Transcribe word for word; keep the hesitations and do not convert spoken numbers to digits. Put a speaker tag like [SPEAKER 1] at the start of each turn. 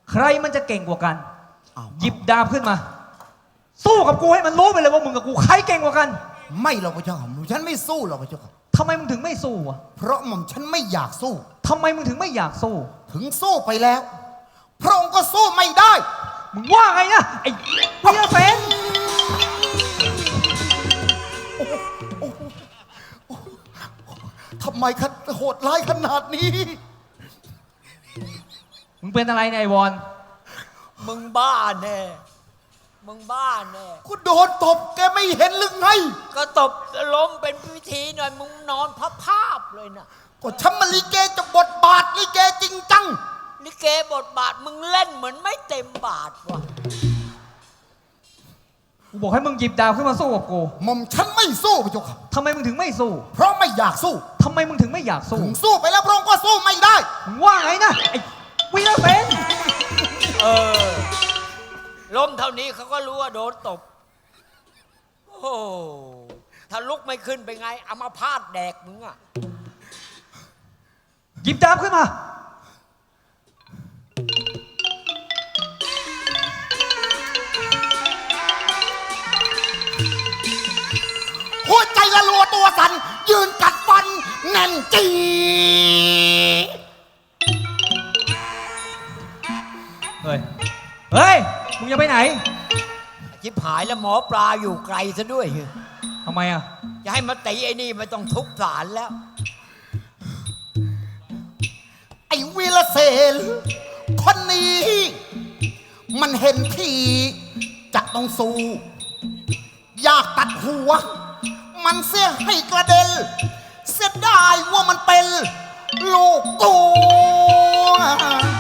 [SPEAKER 1] ใครมันจะเก่งกว่ากันหยิบดาบขึ้นมาสู้กับกูให้มันรู้ไปเลยว่ามึงกับกูใครเก่งกว่ากัน
[SPEAKER 2] ไม่หรอกพระเจ้าค่ะหม่อมฉันไม่สู้หรอกพระเจ้าค่ะ
[SPEAKER 1] ทำไมมึงถึงไม่สู้วะ
[SPEAKER 2] เพราะหม่อมฉันไม่อยากสู้
[SPEAKER 1] ทำไมมึงถึงไม่อยากสู้
[SPEAKER 2] ถึงสู้ไปแล้วพระองค์ก็สู้ไม่ได้
[SPEAKER 1] มึงว่าไงนะไอ้วีรเสน
[SPEAKER 2] ทำไมคัดโหดร้ายขนาดนี้
[SPEAKER 1] มึงเป็นอะไรเนี่ยไอ้วอน
[SPEAKER 3] มึงบ้าแน่มึงบ้าแน่
[SPEAKER 2] กูโดนตบแกไม่เห็นหรือไง
[SPEAKER 3] ก็ตบล้มเป็นพิธีหน่อยมึงนอนพับภาพเลยนะ
[SPEAKER 2] ก็ฉันมาลิเกจะบทบาทลิเกจริงจัง
[SPEAKER 3] ลิเกบทบาทมึงเล่นเหมือนไม่เต็มบาทว่ะ
[SPEAKER 1] กูบอกให้มึงหยิบดาบขึ้นมาสู้กับกู
[SPEAKER 2] หม่อมฉันไม่สู้พระเจ้าค่ะ
[SPEAKER 1] ทำไมมึงถึงไม่สู้
[SPEAKER 2] เพราะไม่อยากสู้
[SPEAKER 1] ทำไมมึงถึงไม่อยากสู้
[SPEAKER 2] ถึงสู้ไปแล้วพระองค์ก็สู้ไม่ได้
[SPEAKER 1] มึงว่าไงนะไอ้วีรเสน
[SPEAKER 3] เออล้มเท่านี้เขาก็รู้ว่าโดนตบโอ้ถ้าลุกไม่ขึ้นไปไงเอามาพาดแดกมึงอ่ะ
[SPEAKER 1] หยิบดาบขึ้นมา
[SPEAKER 2] หัวใจละลัวตัวสั่นยืนกัดฟันแน่นจี
[SPEAKER 1] เฮ้ยเฮ้ยมึงจะไปไหน
[SPEAKER 3] ชิบหายแล้วหมอปลาอยู่ไกลซะด้วย
[SPEAKER 1] ทำไมอ่ะ
[SPEAKER 3] จะให้มาตีไอ้นี่ไม่ต้องทุบศาลแล้ว
[SPEAKER 2] ไอ้วีรเสนคนนี้มันเห็นทีจะต้องสู้อยากตัดหัวมันเสียให้กระเด็นเสียดายว่ามันเป็นลูกกู